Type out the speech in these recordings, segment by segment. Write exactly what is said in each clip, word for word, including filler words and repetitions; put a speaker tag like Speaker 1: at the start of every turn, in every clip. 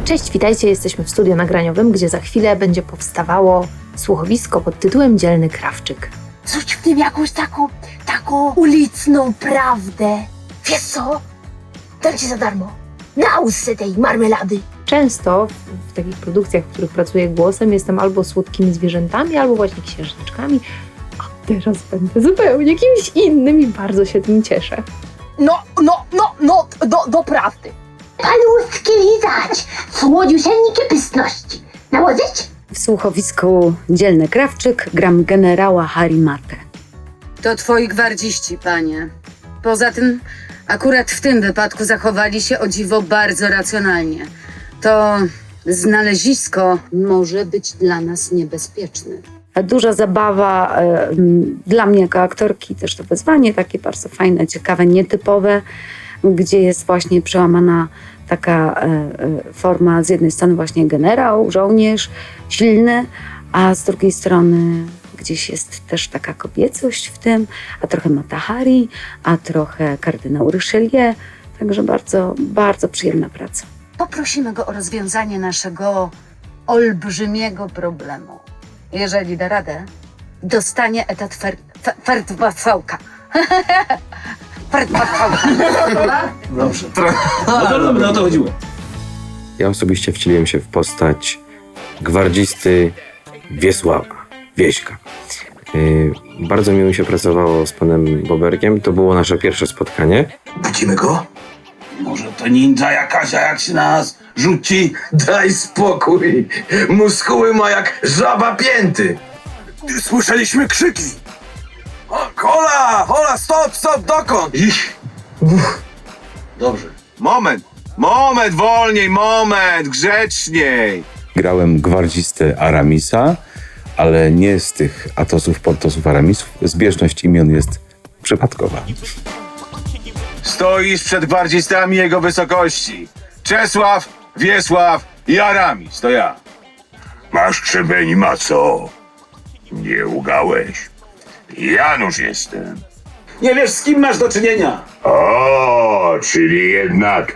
Speaker 1: Cześć, witajcie, jesteśmy w studiu nagraniowym, gdzie za chwilę będzie powstawało słuchowisko pod tytułem Dzielny Krawczyk.
Speaker 2: Czuć w tym jakąś taką, taką uliczną prawdę. Wiesz co? Dam ci za darmo. Na łusce tej marmelady.
Speaker 1: Często w, w takich produkcjach, w których pracuję głosem, jestem albo słodkimi zwierzętami, albo właśnie księżniczkami, a teraz będę zupełnie kimś innym i bardzo się tym cieszę.
Speaker 2: No, no, no, no, do, do prawdy. Paluszki lizać, słodziusieńkie pystności. Nałożyć?
Speaker 3: W słuchowisku Dzielny Krawczyk gram generała Harimatę.
Speaker 4: To twoi gwardziści, panie. Poza tym, akurat w tym wypadku zachowali się o dziwo bardzo racjonalnie. To znalezisko może być dla nas niebezpieczne.
Speaker 3: Duża zabawa e, m, dla mnie jako aktorki, też to wyzwanie takie bardzo fajne, ciekawe, nietypowe, gdzie jest właśnie przełamana taka e, e, forma z jednej strony właśnie generał, żołnierz, silny, a z drugiej strony gdzieś jest też taka kobiecość w tym, a trochę Mata Hari, a trochę kardynał Richelieu, także bardzo, bardzo przyjemna praca.
Speaker 4: Poprosimy go o rozwiązanie naszego olbrzymiego problemu. Jeżeli da radę, dostanie etat fer, fer, ferdwafałka. Ferdwafałka.
Speaker 5: Dobrze. No to, no, to chodziło.
Speaker 6: Ja osobiście wcieliłem się w postać gwardzisty Wiesława, Wieśka. Yy, bardzo miło mi się pracowało z panem Boberkiem. To było nasze pierwsze spotkanie.
Speaker 5: Budzimy go? Może to ninja jakaś, a jak się na nas rzuci?
Speaker 7: Daj spokój! Muskuły ma jak żaba pięty!
Speaker 5: Słyszeliśmy krzyki. O, hola, hola, stop, stop, dokąd?
Speaker 7: Ich.
Speaker 5: Dobrze. Moment, moment, wolniej, moment, grzeczniej.
Speaker 8: Grałem gwardzistę Aramisa, ale nie z tych Atosów, Portosów, Aramisów. Zbieżność imion jest przypadkowa.
Speaker 5: Stoisz przed gwardzistami jego wysokości. Czesław, Wiesław i Aramis, to ja.
Speaker 9: Masz krzemień, maco. Nie ugałeś. Janusz jestem.
Speaker 5: Nie wiesz, z kim masz do czynienia.
Speaker 9: O, czyli jednak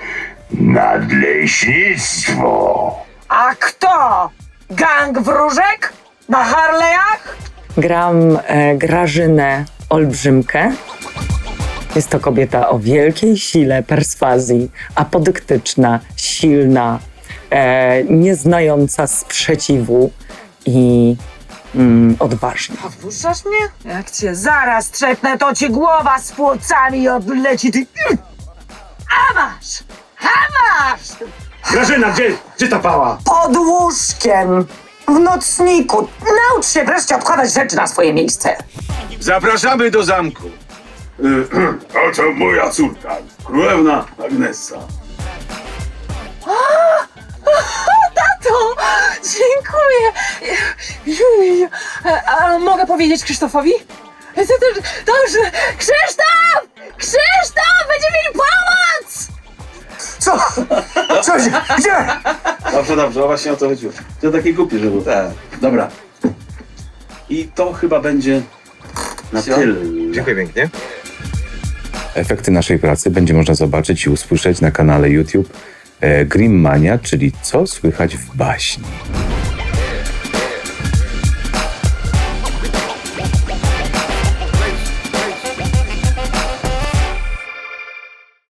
Speaker 9: nadleśnictwo.
Speaker 2: A kto? Gang wróżek? Na Harley'ach?
Speaker 10: Gram e, Grażynę Olbrzymkę. Jest to kobieta o wielkiej sile perswazji, apodyktyczna, silna, e, nieznająca sprzeciwu i mm, odważna.
Speaker 2: A wpuszczasz mnie? Jak cię zaraz trzepnę, to ci głowa z płocami odleci, ty... A masz! A masz!
Speaker 5: Grażyna, gdzie, gdzie ta pała?
Speaker 2: Pod łóżkiem, w nocniku. Naucz się wreszcie odkładać rzeczy na swoje miejsce.
Speaker 5: Zapraszamy do zamku.
Speaker 9: Oto moja córka,
Speaker 5: Królewna Agnesa.
Speaker 2: Tato! Dziękuję! Juj, a mogę powiedzieć Krzysztofowi? Dobrze! Krzysztof! Krzysztof! Będziemy mieli pomoc!
Speaker 7: Co? Co się? Gdzie?
Speaker 5: Dobrze, dobrze, właśnie o to chodziło. To takie głupie, że było. Tak. Dobra. I to chyba będzie na tyle.
Speaker 7: Dziękuję pięknie.
Speaker 8: Efekty naszej pracy będzie można zobaczyć i usłyszeć na kanale YouTube e, Grimmania, czyli Co słychać w baśni.